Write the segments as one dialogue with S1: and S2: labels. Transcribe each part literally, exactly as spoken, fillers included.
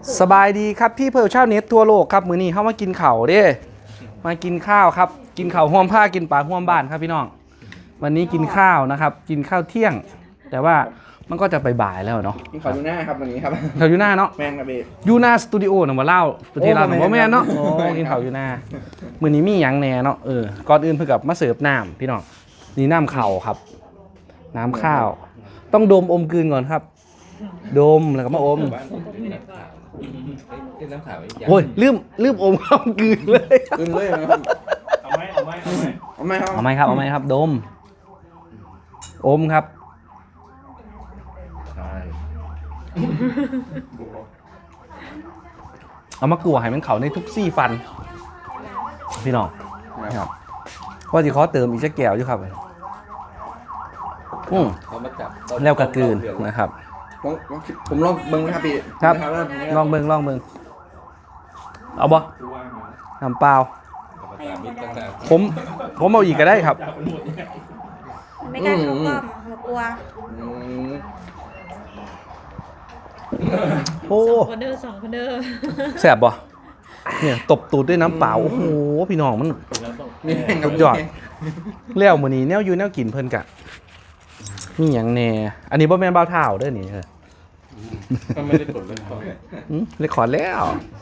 S1: สบายดีครับพี่เพิร์ลชาวเน็ตทั่วโลกครับมื้อนี้เข้ามากินข้าวเด้มากินข้าวครับกินข้าวห่วมผ้ากินปลาห่วมบ้านครับพี่น้องวันนี้กินข้าวนะครับกินข้าวเที่ยง แต่ว่ามันก็จะไปบ่ายแล้วเนาะ
S2: กินข้าวยูน่าครับวันนี้ครับ
S1: ข้าวยูน่าเนาะ
S2: แมงกะเบ
S1: ยูน่าสตูดิโอเนาะมาเล่าประเทศลาวเนาะบ่แม่นเนาะโอ้
S2: แม่นครับ
S1: กินข้าวยูน่ามื้อนี้มีหยังแหน่เนาะเออก่อนอื่นเพิ่นกับมาเสิร์ฟน้ำพี่น้องนี่น้ำข้าวครับ น้ำข้าว ต้องดมอมกลืนก่อนครับ ดมแล้วก็มาอมโอ้ยลืมลืมอมข้าวกลืนเลย
S2: ขึ้นเลยนะครับ
S3: เอาไหมเอาไหมเอาไหม
S2: เอาไหมครับ
S1: เอาไหมครับเอาไหมครับดมอมครับเอามากลัวให้มันเขาในทุกซี่ฟันพี่น้องครับว่าจะขอเติมอีกสักแก้วอยู่ครับอืมแล้วกระกืนนะครับ
S2: ผมผมผมลองเบิ้งนะครับพี่
S1: ครับ
S2: นะว่า
S1: ลองเบิงลองเบิงเอาบ่น้ำเปล่าผมผมเอาอีกก็ได้ครับ
S4: ไม่กล้าเข้ากล้องหนูกลัว
S2: อืม
S1: โอ้
S4: สองคนเด้อสองคนเด้อ
S1: แสบบ่เนี่ยตบตูดด้วยน้ำเปล่าโอ้โหพี่น้องมัน
S2: นี่แห้งครับ
S1: สุดยอด แล้วมื้อนี้แนวอยู่แนวกินเพิ่นกะมีหยังแหน่อันนี้บ่แม่นเบาเท้าเด้อนี่เออ
S3: ก็ไม่ได้กดเลยครับ
S1: หืมเรคคอร์ดแล้ว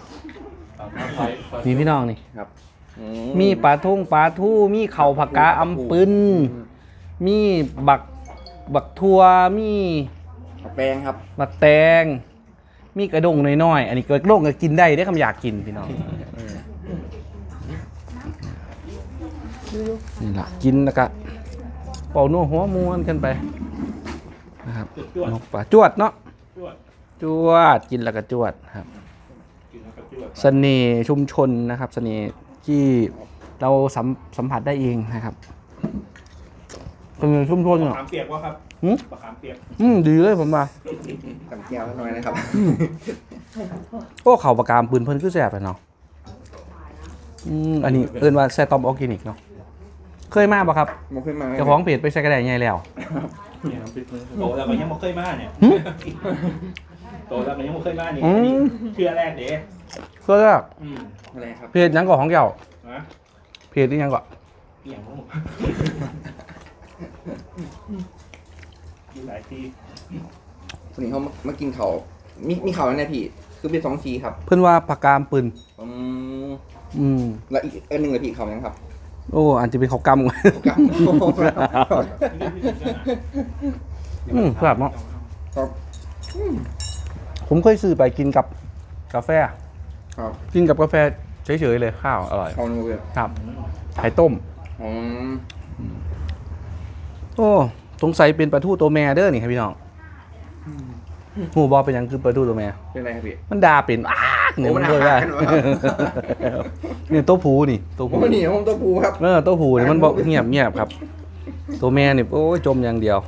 S1: มีพี่น้องนี่
S2: ครับอื
S1: มีปลาทุ่งปลาทู่มีเข่าผักกาอำปึนมีบักบักทัวมี
S2: แปลงครับ
S1: บักแตง มีกระดงน้อยๆ อันนี้กระดงก็กินได้ได้คำอยากกินพี่น้องนี่ล่ะกินแล้วก็เป่านัวหัวม้วนกันไปนะครับนกปลาจวดเนาะจวดกินแล้วก็จวดครับเสน่ห์ชุมชนนะครับเสน่ห์ที่เราสัมสัมผัสได้เองนะครับเสน่ห์ชุมชน
S3: ปลา
S1: เนาะ
S3: ขามเปียกวะครับ
S1: หืม
S3: ปลาขามเปียก
S1: อืมดีเลยผมว่า
S2: กับแก้วหน่อยนะครับ
S1: โอ้เข่าปากกามปืนเพิ่นคือแสบเลยเนาะอืมอันนี้เอิ้นว่าแซตอมออร์แกนิกเนาะเคยมาปะครับ
S2: มันขึ้นมา
S1: เจ้าของเพจไปใส่กระแดงใหญ่แล้ว
S3: เนี่ยน้ำพริกโตแล้วก็ยังไม่เคยมาเนี่ย
S1: หึ
S3: โตแล้วก็ยังไม่เคยมาเนี่ย
S1: อืม
S3: เชื่อแรกเด้
S1: เคยอะ
S3: อืม
S2: อะไรครับ
S1: เพจหยังก่อของเจ้า
S3: นะ
S1: เพจนี่ยังก่อ
S3: เอี่ยงลูกดูหลายที
S2: วันนี้เขามากินเขาวมีมีเขาวแล้วเนี่ยพี่คือเป็นสองทีครับ
S1: เพิ่นว่าปากกามปืน
S2: อืม
S1: อืม
S2: แล้วอีกอันหนึ่งเลยพี่เขาวยังครับ
S1: โอ้อันจะเป็นเขาวกำ
S2: กับ
S1: อืมครับเนาะ
S2: ครับ
S1: ผมเคยซื้อไปกินกับกาแฟ
S2: ครับ
S1: กินกับกาแฟเฉยๆเลยข้าวอร่อย
S2: เขาหนึ่งเลย
S1: ครับไข่ต้ม
S2: อืม
S1: โอ้สงสัยเป็นปลาทูตัวแม่เด้อนี่ครับพี่น้องหูบอเป็นหยังคือปลาทูตัวแม่
S2: เป็นไรครับพี่
S1: มันด่าเป็นอ้ากเนี่ย
S2: โอ้มั
S1: มัน
S2: น
S1: เลย
S2: ด่า
S1: ว่า
S2: กันเหรอ
S1: เนี่ยตัวผูนี่ตัว
S2: ผ
S1: ผู
S2: มนี่ผมตัวปูครับ
S1: เออตัวผูนี่มันบอกเงียบเงียบครับ ตัวแม่นี่โอ้ยจมอย่างเดียว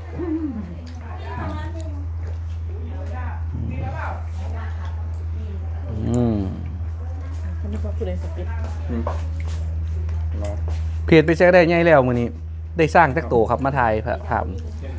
S1: อืม
S4: อันนี้พอพูดเลยสปิด
S2: อืมรอ
S1: เพจไปแจ้ได้ไงแล้วมื้อนี้ ได้สร้างแท็กโตครับมาถ่ายภาพ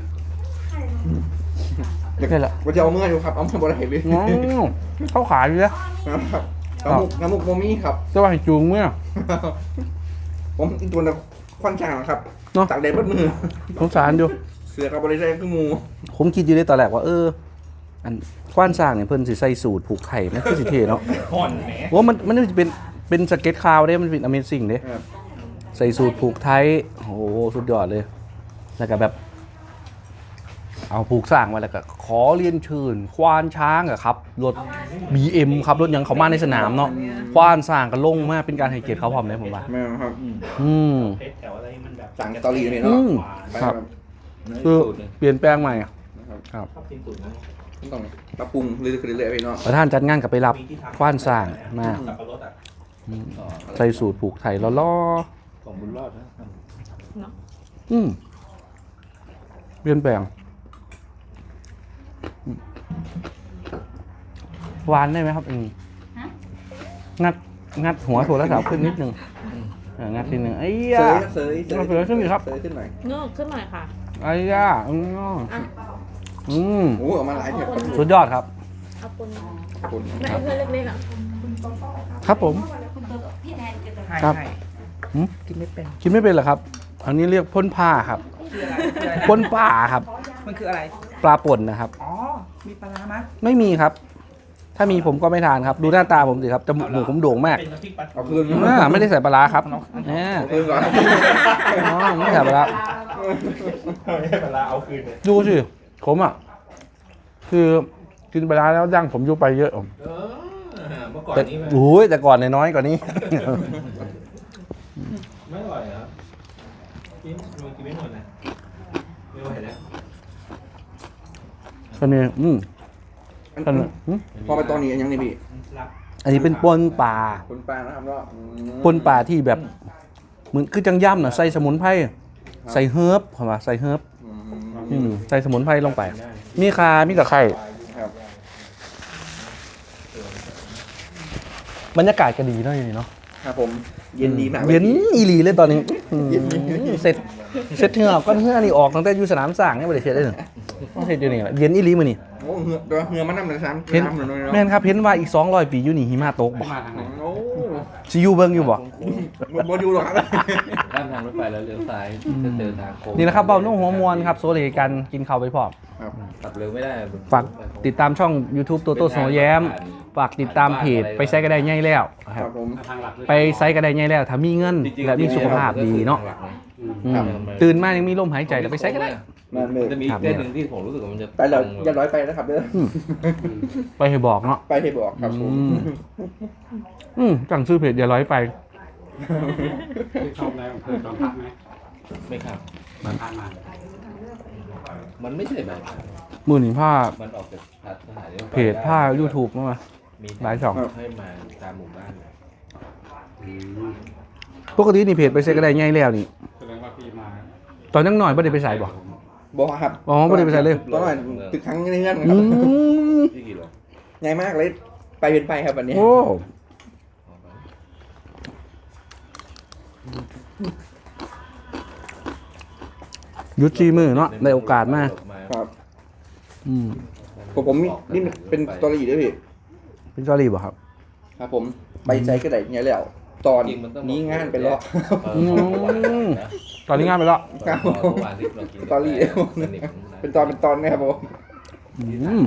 S2: เดี๋ยว
S1: นี่แหละ
S2: ว่าจะเอาเมื่ออยู่ครับเอาเมื่อบนไหนเลย
S1: ง้อเขาขายอยู่แล้ว
S2: ครับน้ำมุกน้ำมุกโมมี่ครับ
S1: จะว่าให้จูงเมื่อ
S2: ผมอีกตัวนึงควันช่างครับ
S1: เนาะ
S2: จากเด็ดบนมือ
S1: สงสารอยู่
S2: เสือกับบริษัทคือหมู
S1: ผมคิดอยู่ในตอนแรกว่าเออ อันกว้านสร้างเนี่ยเพิ่นสิใส่สูตรผูกไข่มันคือสิเท่เนาะ
S3: ห่อนแหม
S1: ว่ามันมันจะเป็นเป็นสเก็ตคาวเด้มันเป็น Amazing เด้
S2: ครับ
S1: ใส่สูตรผูกไทยโอ้โหสุดยอดเลย แล้วก็แบบ เอาผูกสร้างมาแล้วก็ขอเรียนเชิญควานช้างอะครับรถ บี เอ็ม ครับรถยังเขามาในสนามเนาะควานสร้างก็ลงมาเป็นการให้เกียรติเขาพร้อมเลยผมว่า
S2: แม่ครับ
S1: อืม
S3: เพชรแถวอะไรมันแบบ
S2: สั่งสตอรี่เลย
S1: อื
S2: เนาะ
S1: ม
S2: ไป
S1: ครับ คือเปลี่ยนแปลงใหม่อะ
S2: ครับ
S1: ครับ
S3: ชอบกินตุ๋นนะ
S2: ต้องปรับปรุงเรื่อยๆไปเนาะ
S1: ประธานจัดงานกับไปรับควานสร้างมา
S3: สับปะรดอ่ะ
S1: อืมใส่สูตรผูกไทยล้อ
S3: ของบุญรอดนะ
S1: ๆอืมเปลี่ยนแปลงอืมหวานได้ไหมครับเองงัดงัดหัวโทรศัพท์ขึ้นนิดนึงเอองัดทีนึงไอ้
S2: เส
S1: ยาย
S2: เสยเสย
S1: เสยขึ้นอีกครับ
S2: เสยขึ้นหน่อย
S4: เงือกขึ้นหน่อยค่ะ
S1: ไอ้ยาอืม
S4: อ่ะ
S1: อืม
S2: โอ้ออกมาหลายเถอะ
S1: สุดยอดครับ
S4: เอาปน
S2: คน
S4: ไม่เอาเพื่อนเล็กๆอ่ะ
S1: ครับผมครับหืม
S5: กินไม่เป็น
S1: กินไม่เป็นเหรอครับ อันนี้เรียกพ่นผ้าครับพ่นป่าครับ
S5: มันคืออะไร
S1: ปลาป่นนะครับ
S5: อ๋อ มีปลาร้าไหมย
S1: ไม่มีครับ ถ้ามีผมก็ไม่ทานครับ ดูหน้าตาผมสิครับจมูกหมูผมโด่งมาก
S3: เป็นน้ำพริกปลา
S2: เอาคืน
S1: อ่าไม่ได้ใส่ปลาร้าครับเนี่ย
S2: เอาคืนก่อน
S1: อ๋อไม่ใส่ปลาร้า
S3: ไม่ให้ปลาร้าเอาคืนเลย
S1: ดูสิผมอ่ะ คือกินปลาร้าแล้วดั้งผมยุบไปเยอะ
S3: เออเมื่อก่อน
S1: แต่
S3: นี้มัน
S1: โอ้ยแต่ก่อนเนี่ยน้อยกว่านี้
S3: ไม่อร่อยเหรอกินมันกินไม่หมดนะไม่ไหวแล้ว
S1: อันนี้อืม
S2: อัน
S1: อันนี้อืม
S2: พอไปตอนนี้ยังนี่พี่
S3: รับ
S1: อันนี้เป็นปนป่า
S2: คนปลานะครับเนาะอืม
S1: ปนป่าที่แบบเหมือนคือจังย่ำน่ะใส่สมุนไพรใส่เฮิร์บเข้ามาใส่เฮิร์บ
S2: อืม
S1: อืมใส่สมุนไพรลงไป มีคามีตะไคร้
S2: ครับ
S1: บรรยากาศก็ดีเนาะอย่างนี้เนาะ
S2: ครับผมเย็นดีมาก
S1: เย็นอีหลีเลยตอนนี้อืม
S2: เย็นดี
S1: เสร็จเสร็จเหงื่อก้อนเหงื่อนี่ออกตั้งแต่อยู่สนามสร้างเนี่ยไม่ได้เสร็จเลยต้องเสร็จอยู่นี่แหละเย็นอีหลีมื้อนี้
S2: โอ้เหือตัวเหือมันน้ำเลยซ้ำ
S1: เห็น
S2: น้ำหน่อยเนาะ
S1: แม่นครับเห็นว่าอีกสองร้อยปีอยู่นี่หิมะตกบ่
S2: โอ้
S1: สิอยู่เบิ่งอยู่บ่
S2: บบ่อยู่หรอกครับ
S6: ข้ามทางรถไฟแล้วเลี้ยวซ้ายจะเจอทางโค้ง
S1: นี่แหละครับเบ้านุ่งหัวมวลครับโซเลกันกินข้าวไปพร้อม
S2: ครับ
S6: ขับเร็วไม่ได้
S1: ฝากติดตามช่อง YouTube โตโต้โสแย้มฝากติดตามเพจไปไซต์ก็ได้ง่ายแล้วค
S2: ค
S1: รั
S2: รั
S1: บบ
S2: ผม
S1: ไปไซต์ก็ได้ง่ายแล้วถ้ามีเงิน
S6: จริงๆ
S1: และมีสุขภาพดีเนาะอืมตื่นมายังมีลมหายใจแต่ไปไซต์ก็ได้
S2: มาเลย
S6: จะมีอีกเส้นหนึ่งที่ผมรู้สึกว่ามันจะ
S2: ไปแล้วอย่าร้อยไปนะครับเด้อ
S1: อืมไปให้บอกเนาะ
S2: ไปให้บอกครับผม
S1: อืม อืมจังซื้อเพจอย่าร้อยไป
S7: ที่เข้าในอำเภอจอมพักไหม
S6: ไม่ครับ
S7: มาผ่านมา
S6: มันไม่ใช่แบบ
S1: มือหนีผ้า
S6: มันออกจากสถานีรถไฟ
S1: เพจผ้า YouTube มา
S6: มี
S1: หลายช่อง
S6: ให้มาตามหมู่บ้านเลย
S7: อืม
S1: ปกตินี่เพจไปไซต์ก็ได้ง่ายแล้วนี่
S7: แสดงว่าพี่มา
S1: ตอนยังหน่อยไม่ได้ไปใส่บ่
S2: บอกครับ
S1: อ๋อไม่ได้ไปใส่เลย
S2: ตอนนั้นตึกครั้งในเงื่อนค
S1: อื
S2: รับ
S1: ม
S6: ที่กี่โล
S2: ใหญ่มากเลยไปเป็นไปครับวันนี้
S1: โอ้หยุดจีมือเนาะได้โอกาสมา
S2: ครับ
S1: อืม
S2: ผมผมนี่นี่เป็นสตอรี่ด้วยพี่
S1: เป็นจอรี่บ่ครับ
S2: ครับผมไปใจก็ได้เนี่ยแล้วตอนนี้งานไปแล้ว
S1: อืม ตอนนี้งานไปแล้ว
S2: ครับผม สตอรี่เป็นตอนเป็นตอนนะครับผม
S1: อืม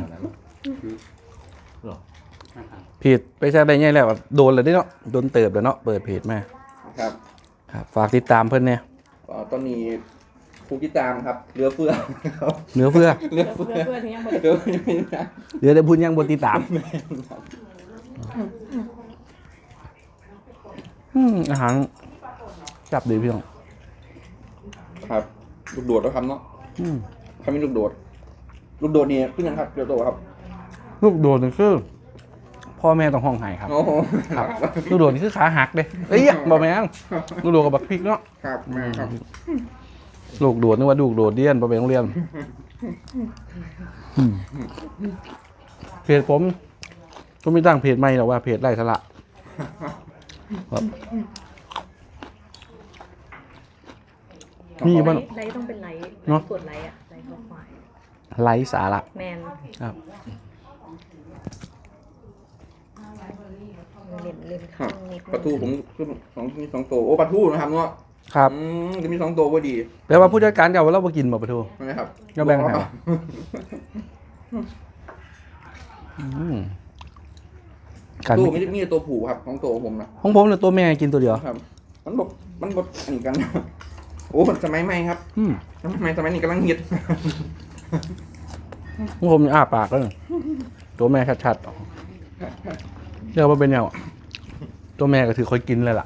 S1: เพจไปแซ่ได้ไงแล้วโดนเลยได้เนาะโดนเติบแล้วเนาะเปิดเพจมา
S2: ครับ
S1: ครับฝากติดตามเพื่อนเนี่ย
S2: อ๋อตอนนี้ผู้ติดตามครับเรือเฟือครับ
S1: เหนือเฟือ
S2: เรือเฟือ
S4: เพื่อนๆที่ยังบ่
S2: เรือเฟือไม่ได้
S1: เดี๋ยวได้พูดยังบนติดตามอืมอาหารจับดีพี่น้อง
S2: ครับลูกโดดแล้วครับเนาะ
S1: อืม
S2: คำนี้ลูกโดด ลูกโดดนี่ขึ้นยังครับเรือโดดครับ
S1: ลูกโดดนี่คือพ่อแม่ต้องห้องไห้ครับ
S2: โอ้โห
S1: ครับ ลูกโดดนี่คือขาหักเลยเอ้ยบอกแม่งลูกโดดกับบักพริกเนาะ
S2: ครับแม่ครับ
S1: ลูกโดดนึกว่าลูกโดดเดียนไปไปโรงเรียนอืมเพจผมก็ไม่ตั้งเพจใหม่หรอกว่าเพจไร้สาระครับมีบ้าง
S4: ไลท์ต้องเป็นไลท์
S1: เนอะ
S4: กดไลท์อะไลท์ข้อควาย
S1: ไร้สาระ
S4: แมน
S1: ครับ
S4: เล่นเล่น
S2: ครั
S4: ข้า
S2: บ
S4: งนิด
S2: ปลาทูผมขึ้นสองมีสองตัวโอ้ปลาทูนะครับเนาะ
S1: ครับ
S2: อืมจะมีสองตัวพอดี
S1: แปลว่าผู้จัดการเก่าเราไปกินบ่ปะทู
S2: นะครับ
S1: ก็แบ่งให้ อืมการ
S2: ตัวไม่ได้มีแต่ตัวผูครับของตัวผมนะ
S1: ของผมเนี่ยตัวแม่กินตัวเดียว
S2: ครับ มันบดมันบดอันนี้กัน โอ้มันสมัยใหม่ครับ
S1: อืม
S2: สมัยสมัยนี้กำลังฮิต
S1: ของผมนี่อ้าปากแล้วนี่ตัวแม่ชัดๆเรียกว่าเป็นแนวตัวแม่ก็ถือคอยกินเลยล่ะ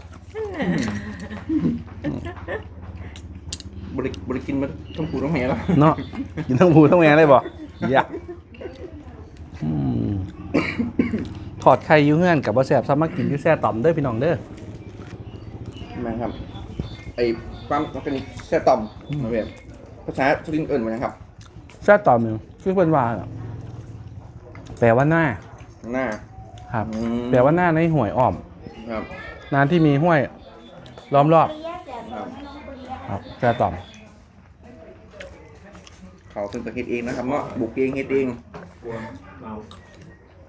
S2: บริบริกินมาทั้งผูทั้งแม่แล้ว
S1: เนาะกินทั้งหมูทั้งแม่เลยบ่อยากอืมถอดไข่อยูเฮือนกับว่าแสบซ้ำมากินอยูแซ่ต่อมเด้อพี่น้องเด้อ
S2: มาครับ ไอ้ความมันเป็นแค่ต่อมมาเวียนภาษาสุรินทร์เอิญมาครับ
S1: แซ่ต่อมหนึ่งคือเป็นว่าน่ะแปลว่าหน้า
S2: หน้า
S1: ครับ
S2: อืม
S1: แปลว่าหน้าในห่วยอ้อม
S2: ครับ
S1: น้ำที่มีห้วยล้อมรอบ
S2: ครับ
S1: ครับแซ่ต่อม
S2: เขาเป็นตัวเฮ็ดเองนะครับเนาะบุกเองเฮ็ดเอง
S3: กลัวเมา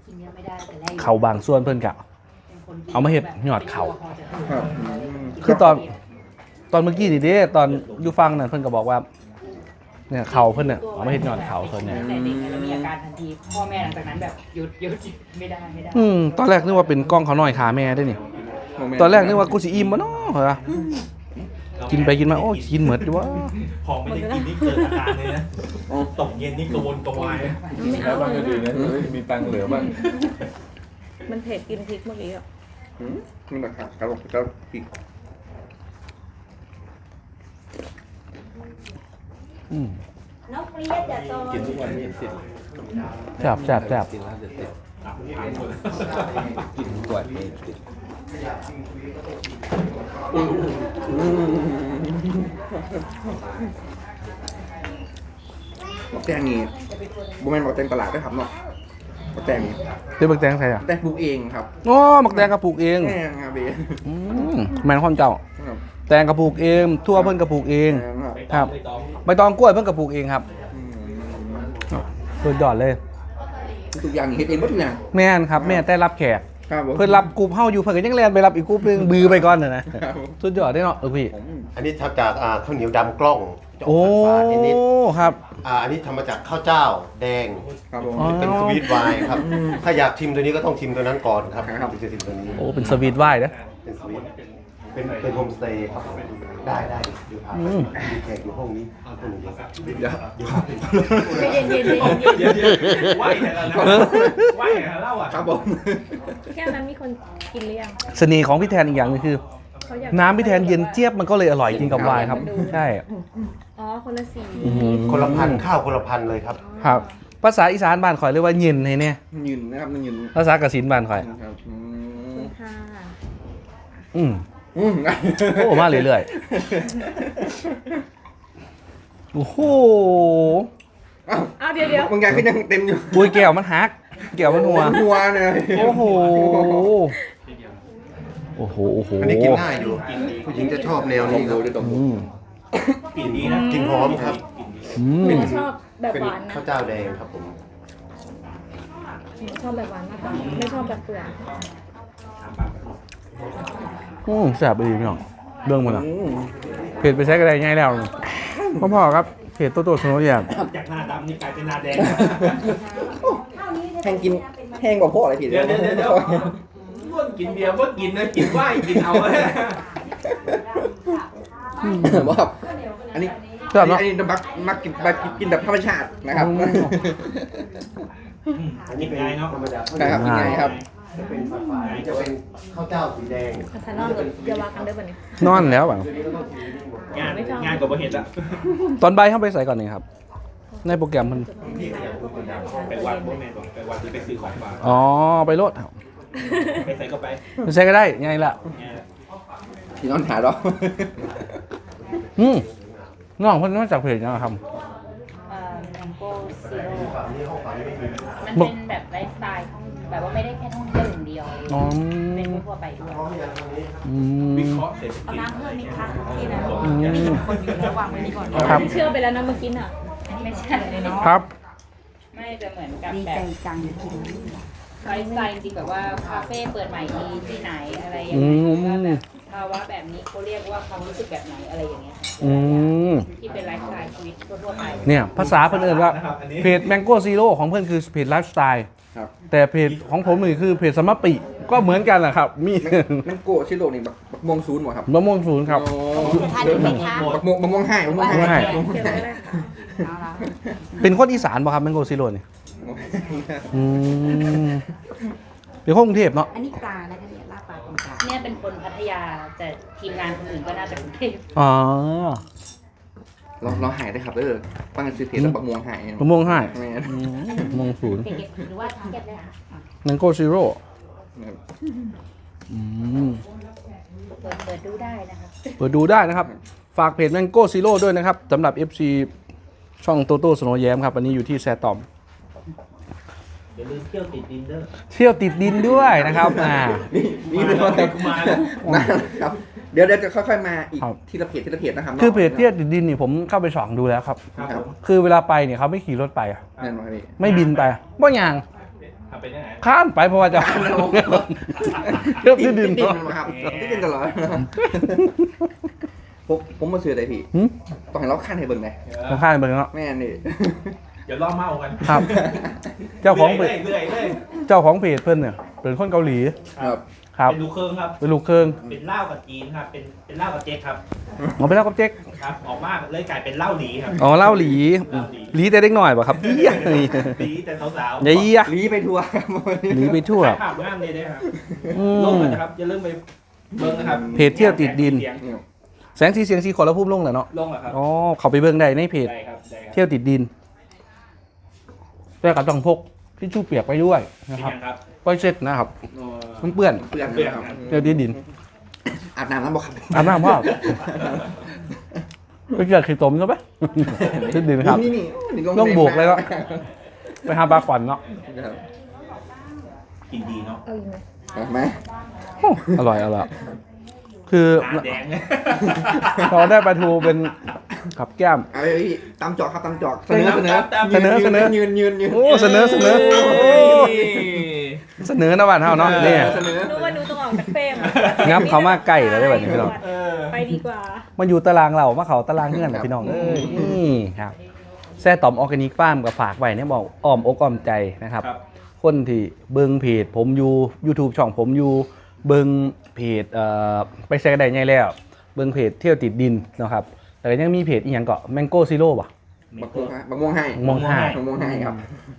S8: กินเยอะไม่ได้แต่แรก
S1: เขาบางส่วนเพิ่นกะเอามาเฮ็ดยอดเขา
S2: ครับ
S1: คือตอนตอนเมื่อกี้นี่เด้ตอนอยู่ฟังนั่นเพิ่นก็บอกว่าเนี่ยเขาเพิ่นเนี่ยเอามาเฮ็ดยอดเขาส่วนใหญ่
S8: แต่เด็กเนี่ยเรามีอาการทันทีพ่อแม่หลังจากนั้นแบบหยุดหยุดไม่ได้ไม่ได้
S1: อืมตอนแรกนึกว่าเป็นกล้องเขาน้อยขาแม่ได้นี่ตอนแรกนึกว่ากูสิอิ่มบ่เนาะเหรอกินไปกินมาโอ้ยกินเหมือนดิวะ
S3: พอไม่ได้กินนี่เกิดอาการเลยนะตกเย็นนี่กระวนกระวาย
S4: ไม่
S6: แล้
S4: เอา
S6: วบางอื่นเนี่ยมีตังค์เหลือบ้าง
S4: มันเผ็ดกินพริกเมื่อกี้อ่ะ
S2: อืมนี่แหละครับกระโดดกระโดดอีก
S1: อืม
S4: น้องเปรี้ยจะโซน
S6: กินทุกวันมีสิทธิ์
S1: แซ่บแซ่บแซ่บ
S6: กินแล้วจะติดกินทุกวันมีติด
S2: บักแตงนี่บุแมนบักแตงตลาดด้วยครับเนาะบักแตงนี่
S1: เดี๋ยวบักแตงใส่อ่ะ
S2: แตงปลูกเองครับ
S1: อ๋อบักแตงกระปลูกเอง
S2: แม่ครับเบ
S1: อืมแม่นความเจ้า
S2: ครับ
S1: แตงกระปลูกเองทั่วเพิ่นกระปลูกเอง
S2: แม่ครับ
S1: ครับ
S3: ไม่ต้อง
S1: ใบตองกล้วยเพิ่นกระปลูกเองครับ
S2: อืม
S1: สุดยอดเลย
S2: ทุกอย่างนี่เฮ็ดเองหมดทุกอย่าง
S1: แม่นครับแม่แต่รับแขก
S2: ครับผม
S1: เพิ่นรับกลุ่มเฮาอยู่เพิ่นก็ยังแล่นไปรับอีกกลุ่มนึงบือไปก่อนน่ะนะครับ
S2: ผม
S1: สุดยอดได้เนาะเออพี่
S2: ผม
S9: อันนี้ทำจากอ่าข้าวเหนียวดำกล้องจะอ
S1: โอ้
S9: อกฝาดๆนิด
S1: ครับ
S9: ๆอ่าอันนี้ทำมาจากข้าวเจ้าแดง
S2: ครับผม
S1: อ๋อ
S9: เป็นสวีทไวน์ครับ ถ้าอยากชิมตัวนี้ก็ต้องชิมตัวนั้นก่อนครับ
S2: ครับ
S9: ถึงจะชิมตัวนี้
S1: โอ้เป็นสวีทไวน์เด้อ
S9: เป็นสวีทเป็นเป็นโฮมสเตย์ครับได้ได้เดี๋ยวพา
S1: อื
S9: ไป
S1: ม
S9: มีแขกอยู่ห้องนี้คนหนึ่งเดียวครับ
S2: เดี๋ยว
S9: เดี๋ยว
S4: ใจเย็นเย็นเย็นเย็น
S3: เดี๋ยวเดี๋ยวไหวแต่ละนะไหวแต่ละเล่าอ่ะ
S2: ครับผม
S4: แค่นั้นมีคนกินหรือยัง
S1: เสน่ห์ของพี่แทนอีกอย่างหนึงคือ
S4: เขาอยาก
S1: น้ำพี่แทนเย็นเจี๊ยบมันก็เลยอร่อยกินกับไวน์ครับ ใช่
S4: อ๋อคนละสี
S1: อื้อหือ
S9: คนละพันข้าวคนละพันเลยครับ
S1: ครับภาษาอีสานบ้านข่อยเรียกว่าเย็นให้เนี่ย
S2: ยืนนะครับมันยืน
S1: ภาษากสินบ้านข่อย
S2: ครับอื
S4: คุ
S2: ม
S4: ณค่ะ
S1: อืม
S2: อืม
S1: โอ้มาเรื่อยๆโอ้โห
S2: เอ้า
S4: เอาเดี๋ยวเดี๋ยว
S2: บางอย่างก็ยังเต็มอยู่
S1: ปุยแก้วมันหักแก้วมันหัว
S2: หัวเลย
S1: โอ้โหโอ้โหโอ้โห
S9: อันนี้กินง่ายอยู่ผู้หญิงจะชอบแนวนี้ครับ
S1: อืม
S3: กลิ่นดีนะ
S9: กลินหอมครับ
S1: อืม
S4: หนูชอบแบบ
S9: เป็น
S4: หวานนะ
S9: ข้าวเจ้าแดงครับผม
S4: หนูชอบแบบหวานมากกว่าไม่ชอบแบบเปลือก
S1: อืมแซ่บดีพี่น้องเรื่องมันอ่ะ
S2: อืม
S1: เพจไปใช้กันได้ง่ายแล้วพ่อๆครับเพจโตโต้สโนว์แยม
S3: จากหน้าดำนี่กลายเป็นหน้าแดง
S2: แห้งกินแห้งกว่าพวกอะไรผิด
S3: เดี๋ยวเดี๋ยวเดี๋ยวเดี๋ยวว่นกินเบียร์ว่นกินนะกินไหวกินเอาเลย
S2: ว่าอันนี้
S1: ชอบเนอะ
S2: อันนี้มักมักกินมักกินแบบธรรมชาตินะครับ
S3: อันนี้เป็นไงเนาะ
S9: ธรรมดา
S2: นะครับยังไงครับ
S9: จะเป็นฝาๆจะเป็นข้าวเจ้าสีแดง
S4: พัฒนอนเลยอย่าวากันเด้อบัดนี้
S1: นอนแล้วแบบ
S3: งานงานกว่าเห็นละ
S1: ตอนใบเข้าไปใส่ก่อนนี่ครับ ในโปรแกรมมัน
S3: ไปวัดพวกแม่ก่อนไปวัดที่ไปซื้อของฝาก
S1: อ๋อไปโลด
S3: ไปใส่ก็ไป
S1: ไม่ใช่ก็ได้ง่ายละ
S2: ที่นอนหาเรา
S1: อืมน้องเพิ่นมาจากเพจนะครับ
S8: เอ่อแมงโก้ซีโร่มันเป็นแบบไลฟ์สไตล์ท่องแบบว่าไม่ได้แค่ท่องเที่ยวอย่างเดียว
S1: อ๋อ
S8: เป็นทั่วไปด้วย
S1: อื
S3: วิ
S1: ม
S3: เคราะห์เศรษฐ
S8: เอา
S3: กิจ
S8: น้ำเพิ่มไหมคะที่นั้น
S1: อืม
S8: มีคนอยู่ระหว่างไว้นี่ก่อน
S1: ครับ
S4: เชื่อไปแล้วนะเมื่อกี้น่ะ
S8: ไม่ใช่เลยเนาะ
S1: ครับ
S8: ไม่จะเหมือนกับแบบไลฟ์สไตล์จริงๆแบบว่าคาเฟ่เปิดใหม่ที่ที่ไหนอะไรอย่าง
S1: อื
S8: เงี้ย
S1: ม
S8: ว่าแบบภาวะแบบนี้เขาเรียกว่าความรู้สึกแบบไหนอะไรอย่างเงี้ย
S1: อืม
S8: ที่เป็นไลฟ์สไตล์ชีวิตทั่วๆไป
S1: เนี่ยภาษาเพิ่นเอิ้นว่าเพจ Mango Zero ของเพิ่นคือเพจไลฟ์สไตล์
S2: ครับ
S1: แต่เพจของผมนี่คือเพจสมปิก็เหมือนกันแหละครับ มี
S2: น้ำโกะชิโร่นี่แบบบักม่วงศูนย์หมดครับ
S1: มะม่วงศูนย์ครับ
S2: โอ้
S4: ทานได้ไหมคะ
S2: บักม่วงบักม่วงให้บักม่วง
S1: บักม่วงให้
S2: ให้
S4: เดี๋ยวก็ได้ค่ะ
S8: เอาละ
S1: เป็นคนอีสานป่ะครับ Mango Zero นี่อืมเป็นคนกรุงเทพเนาะ
S8: อันนี้ปลานะคะเนี่ยลาบปลาตรงกลางเนี่ยเป็นคนพัทยาแต่ทีมงานคนอื่นก็น่าจะกรุงเทพ
S1: อ๋อ
S2: เราเราหายได้ครับเออตั้งแต่ซื้อเพจแล้วบักม่วงหาย
S1: มะม่วงให้
S2: แม่
S1: อืมมะม่วงศูนย์
S8: เก็บหรือว่าเก็บเลยค่ะ
S1: Mango Zero อืม
S8: เปิดเปิดดูได้นะคะ
S1: เปิดดูได้นะครับ ฝากเพจ Mango Zero ด้วยนะครับสำหรับ เอฟ ซี ช่องโตโต้สโนว์แยมครับ วันนี้อยู่ที่แซตอม
S3: อย่าลืมเที่ยวติดดินเด้อ
S1: เที่ยวติดดินด้วยนะครับอ่า
S2: นี่นี่เลยว่า
S3: มาแล้ว
S2: นะครับ เดี๋ยวเดี๋ยวจะค่อยๆมาอีก
S1: ครับ
S2: ทีละเพจทีละเพจนะครับ
S1: คือเพจเที่ยวติดดินนี่ผมเข้าไปส่องดูแล้วครับ
S3: ครับผม
S1: คือเวลาไปเนี่ยเขาไม่ขี่รถไปอะ
S2: แน่นอนพี่
S1: ไม่บินไปบ่อย่าง
S3: ทำเป็นยังไง
S1: ข้ามไปเพราะว่าจะเทียบที่ดิน
S2: ดิน
S1: เนาะ
S2: มาครับที่ดินตลอดผมผมมาซื้ออะไรพี่
S1: หืม
S2: ต้องให้เราขั้นให้เบิ่งไง
S1: ต้องข้ามไปเนาะ
S2: แม่นี่
S3: เดี๋ยวล่อเมากัน
S1: ครับ เจ้าของเพ
S3: เรื่
S1: จ
S3: อยเรื่อยเรื่อย
S1: เจ้าของเพจเพิ่นเนี่ยเป็นคนเกาหลี
S2: ครับ
S1: ครับ
S3: เป็นลูกเครื่องครับ
S1: เป็นลูกเครื่อง
S3: เป็นเหล้ากับจีนครับ เป็นเป็นเหล้ากับเจ๊กครับ
S1: เอาไปแล้วกับเจ๊ก
S3: ครับ ออกมาเลยกลายเป็นเหล้าหลีครับ
S1: อ๋อเล่าหลี
S3: เหล้าหลี
S1: หลีแต่เด็กหน่อยป่ะครับเยี่ยนี่
S3: หลีแต่สาวๆ
S1: เยี่ย
S2: ลีไปทัวร์ครับ
S1: หลีไปทั่ว
S3: ถ่ายภาพงามเลยนะครับ
S1: อื
S3: ลง
S1: ม
S3: เลยนะครับอย่าลืมไปเบิ้งนะครับ
S1: เพจเที่ยวติดดิน
S3: เสียง
S1: แสงสีเสียงสีขอแล้วพุ่มลงแหละเนาะ
S3: ลงเหรอครับ
S1: อ๋อเขาไปเบิ่งได้ในเพจ
S3: ได้ครับได้ครับ
S1: เที่ยวติดดินแต่ก็ต้องพกทิชชู่เปียกไปด้วยนะ
S3: เป็น
S1: ครับ
S3: ยังครับ
S1: ก้อยเช็ดนะครับมันเปื้อน
S2: เพื่อน
S3: เปลี่ยน
S2: ครับ
S3: ครับ
S1: เที่ยวติดดิน
S2: อาบน้ำแล้วบอกครับ
S1: อาบน้ำพ่อไปเกิดขีดตมใช่ไหมติดดินครับ
S2: นี่นี่นี่
S1: ต้องบวกเลยเนาะ ไปหาปลาขวัญเนาะ
S2: ครับ
S3: กินดีเนาะ
S4: เอาอีกไหม
S2: เห็นไหม
S1: โอ้อร่อยอร่อยคือ
S3: ตาแดง
S1: เราได้ปลาทูเป็นกับแก้ม
S2: เอาพี่ตามจอกครับตามจอกเสนอเสนอ
S1: เสนอเสนอ
S2: ยืนยืนยืน
S1: โอ้เสนอเสนอ เสนอนะวันเท่าเนาะนี่
S2: เสนอ
S4: นึกว่าหนูต้องออกจากเฟรม
S1: งับเขามาใกล้แล้วได้แบบนี้พี่น้อง
S3: เออ
S4: ไปดีกว่า
S1: มาอยู่ตารางเรามาเขาตารางเงื่อนนะพี่น้องเอ้ยนี่ครับแซ่ตอมออร์แกนิกฟาร์มกับฝากไว้เนี่ยบอกอ้อมอกอ้อมใจนะครับ
S3: ครับ
S1: คนที่เบิ่งเพจผมอยู่ YouTube ช่องผมอยู่เบิ่งเพจเอ่อไปแซกได้ไงแล้ว เบิ่งเพจเที่ยวติดดินนะครับแต่ก็ยังมีเพจอีกอย่างก็แมงโก้ซีโร่ป่ะ
S2: บักม่วงฮะบักม่วงให้
S1: มองหา
S2: บักม่วงให้ครับ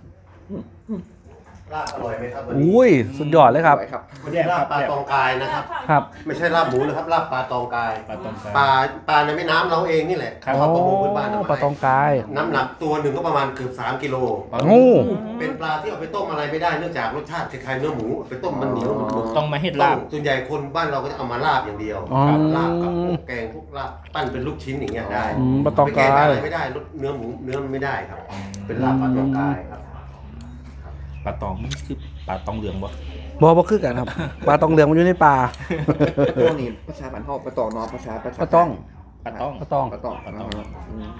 S9: ลาบอร่อยไหมครับวันนี้
S1: อุ้ยสุดยอดเลยครับ
S2: สวยครับ
S9: วันนี้ลาบปลาตองกายนะครับ
S1: ครับ
S9: ไม่ใช่ลาบหมูนะครับลาบปลาตองกาย
S3: ปลาตองกาย
S9: ปลาปลาในแม่น้ำเราเองนี่แหละ
S3: ครับ
S9: เขาประมงพื้นบ้าน
S1: โอ้
S9: เอา
S1: ปลาตองกาย
S9: น้ำหนักตัวหนึ่งก็ประมาณเกือบสามกิโล
S1: โอ้
S9: เป็นปลาที่เอาไปต้มอะไรไม่ได้เนื่องจากรสชาติคล้ายๆเนื้อหมูไปต้มมันเหนียวมันบุก
S3: ต้องมาเฮ็ด
S9: ต้
S3: ลาบ
S9: มส่วนใหญ่คนบ้านเราก็จะเอามาลาบอย่างเดียว
S1: อ๋อ
S9: ครับลาบกับพวกแกงพวกลาบปั้นเป็นลูกชิ้นอย่างเงี้ยได้
S1: อืมปลาตองกาย
S9: ไปแอะไรไม่ได้รสเนื้อหมูเนื้อมันไม่ได้ครับ เป็นลาบปลาตองกายครับ
S3: ปลาตองนี่คือปลาตองเหลืองบ่
S1: บอบ่คือกันครับ ปลาตองเหลืองมันอยู่ในป่า
S2: พวกนี้ภาษาบ้านเฮาปลาตองเนาะภาษาภาษา
S1: ปลาต้อง
S3: ปลาตอง
S1: ปลาตอง
S2: ปลาตองปลาตองอืม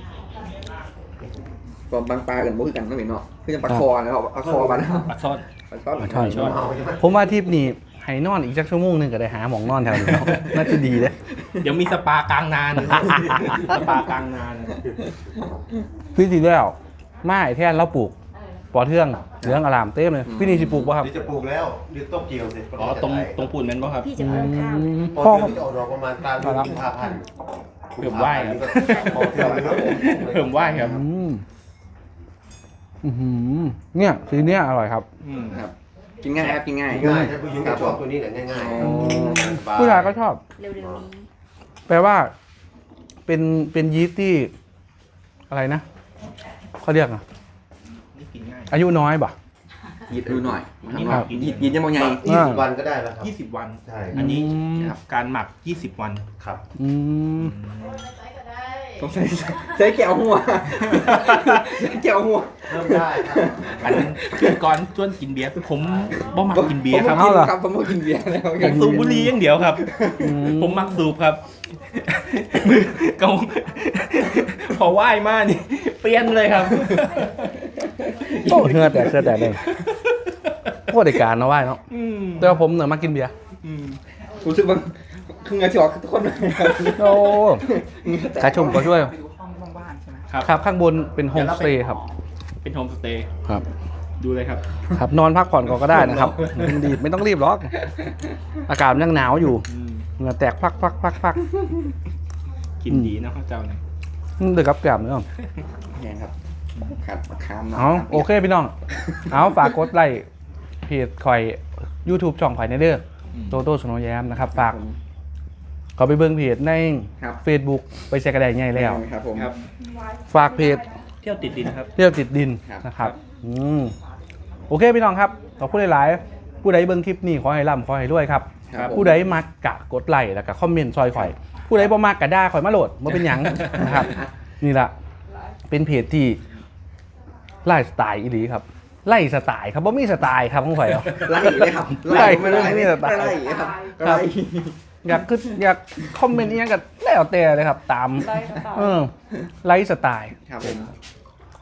S2: ก็บางปลากันบ่คือกันเนาะพี่เนาะคือจังปลาคอนะครับปลาคอบ้านเฮา
S3: ปลาซ่อน
S2: ปลาช่อน
S1: ปลาช่อน
S3: ช่อน
S9: เอาใช่ไหม
S1: ผมว่าทริปนี้ให้นอนอีกสักชั่วโมงหนึงก็ได้หาหมองนอนแถวนี้เนาะ น่าจะดีเลย
S3: เดี๋ยวมีสปากลางนานสปากลางนาน
S1: พี่สีแล้วไม้แท่นเราปลูกปอเทืองเหลืองอลามเต็มเลยพี่นี่สิปลูกป่ะครับ
S9: เดี๋ยวจะปลูกแล้วเดี๋ยวต้มเกี่ยวเสร็จ
S3: อ๋อตรงตรงปูนแม่นบ่ครับ
S4: พี่จะเพิ่มข้าว
S9: พอ
S1: พ่อ
S9: เดือนที่จะออกดอกประมาณกลางเดือนกุมภาพันธ์
S3: เพิ่มไหว้ครับ
S9: พอเทืองเลยครับ
S3: เพิ่มไหว้ครับ
S1: อืมอื้อหือเนี่ยสีเนี้ยอร่อยครับ
S3: อืม
S2: ครับกินง่ายครับกินง่าย
S9: ง่ายถ้าผู้หญิงก็ชอบตัวนี้แหละง่าย
S2: อ๋อ
S9: ๆสบ
S1: ผู้ชายก็ชอบ
S4: เร็วๆนี้
S1: แปลว่า เป็นเป็นยีสต์ที่อะไรนะเขาเรียกอะ
S3: นี่กินง่าย
S1: อายุน้อยป่ะ
S2: ยิดดูหน่อย
S1: ครับ
S2: ยิดยิดยังบ่ใหญ่
S9: ยี่สิบวันก็ได้แล้วครับ
S3: ยี่สิบวัน
S9: ใช่
S3: อันนี้
S1: อืม
S3: การหมักยี่สิบวัน
S9: ครับ
S1: อืม
S2: ต้องใส่ใส่แก้วหัวใส่แก้วหัว
S9: เริ่มได้ครับ
S3: อันคือก่อนชวนกินเบียร์ผมบ่มักกินเบียร์ครับ
S2: ผมบ่กินครับผมบ่กินเบียร์แล้ว
S3: ผมสูบบุหรี่อย่างเดียวครับ
S1: อืม
S3: ผมมักสูบครับเกาพอไหว้มานี่ เปลี่ยนเลยครับ
S1: โอ้เหือแต่เสื้อแต่เลยโคตรได้การเนาะว่าเนาะ
S3: อืม
S1: แต่ว่าผมเนี่ยมากินเบียร์
S3: อืม
S2: รู้สึกว่าคือเงาที่ออกทุกคนเลยครับ
S1: โอ้กระชมก็ช่วย
S5: ไปดูห้องว่างๆใช่ไหม
S3: ครับ
S1: ครับข้างบนเป็นโฮมสเตย์ครับ
S3: เป็นโฮมสเตย์
S1: ครับ
S3: ดูเลยครับ
S1: ครับนอนพักผ่อนก่อนก็ได้นะครับไม่รีบไม่ต้องรีบหรอก อากาศมันยังหนาวอยู่
S3: อืม
S1: เหงื่อแตกพักพักพักพัก
S3: กินดีนะข้าวเจ้าเนี่ย
S1: เดือดกับแกล้มเนาะ
S2: เนี่ยครับขาดมะขาม
S1: เอาโอเคพี่น้อง เอาฝากกดไลค์เพจคอย YouTube ช่องไผ่ในเด้อโตโต้สโนว์แยมนะครับ ฝากเขาไปเบิ่งเพจใน
S2: ครับ
S1: Facebook ไปแชร์กระไดง่ายแล้ว
S2: ครับผม
S3: ครับ
S1: ฝากเพจ
S3: เที่ยวติดดินครับ
S1: เที่ยวติดดิน
S2: ครับ
S1: นะครับอืมโอเคพี่น้องครับขอบคุณหลายๆผู้ใดเบิ่งคลิปนี้ขอให้ร่ำขอให้รวยครับ
S2: ครับผม
S1: ผู้ใดมักกะกดไลค์แล้วก็คอมเมนต์ซอยข่อย ผู้ใดบ่มักกะด่าข่อยมาโหลดมาเป็นหยัง นะครับ นี่ล่ะเป็นเพจที่ไล่สไตล์อีหลีครับ ไล่สไตล์ครับบ่มีสไตล์ครับของข่อยเอา
S2: ไล่เลยครับ
S1: ไล่
S2: ไม่ได้
S1: ไม่
S2: ไม่
S1: ได้
S2: ได้ไล่ครับ
S1: ครับ
S2: ไล่
S1: อยากคืออยากคอมเมนต์อีหยังก็แล้วแต่เลยครับ ตาม
S4: ไล่สไตล์
S1: เออไล่สไตล์
S2: ครับผม
S1: โ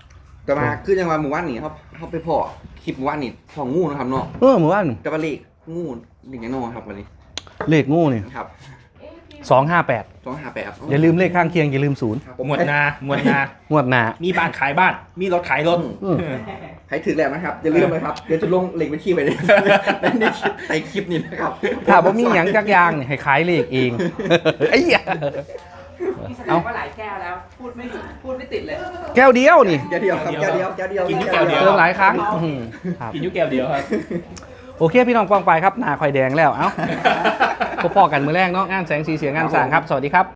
S2: แต่มาคือยังว่าหมู่บ้านนี่เขาเขาไปพอคลิปหมู่บ้านนี่พองูนะครับเนาะ
S1: เออหมู่บ้าน
S2: แต่ว่าเลขงูหนึ่งแน่นอนครับวันนี้
S1: เลขงูนี่
S2: ครับ
S1: สองห้าแปด
S2: สองห้าแปด
S1: อย่าลืมเลขข้างเคียงอย่าลืมศูนย์
S2: ครับผม
S3: หมวดนาหมวดนา
S1: งวดหน้า
S3: มีบ้านขายบ้าน มีรถขายรถ
S1: อืม
S2: ใครถือแล้วนะครับอย่าลืมนะครับเดี๋ยวจะลงเลขบัญชีไว้ในในคลิปในคลิปนี้นะครับ
S1: ถ้าบ่มีหยังจักอยางเนี่ยให้ขายเลขเอง ไอ้เหี้ย
S5: นี่แสด
S1: เอา
S5: งว่าหลายแก้วแล้ว พูดไม่หยุดพูดไม่ติดเลย
S1: แก้วเดียวนี่
S2: แก้วเดียวครับแก้วเดียวแก้วเดียว
S3: กินแก้วเดียว
S1: เติมหลายครั้งอืมครับ
S3: กินอยุแก้วเดียวครับ
S1: โอเคพี่น้องกองไปครับหน้าคอยแดงแล้ว เอ้าพบพ่อกันมือแรกเนาะงานแสงสีเสียงงานสร้างครับ สวัสดีครับ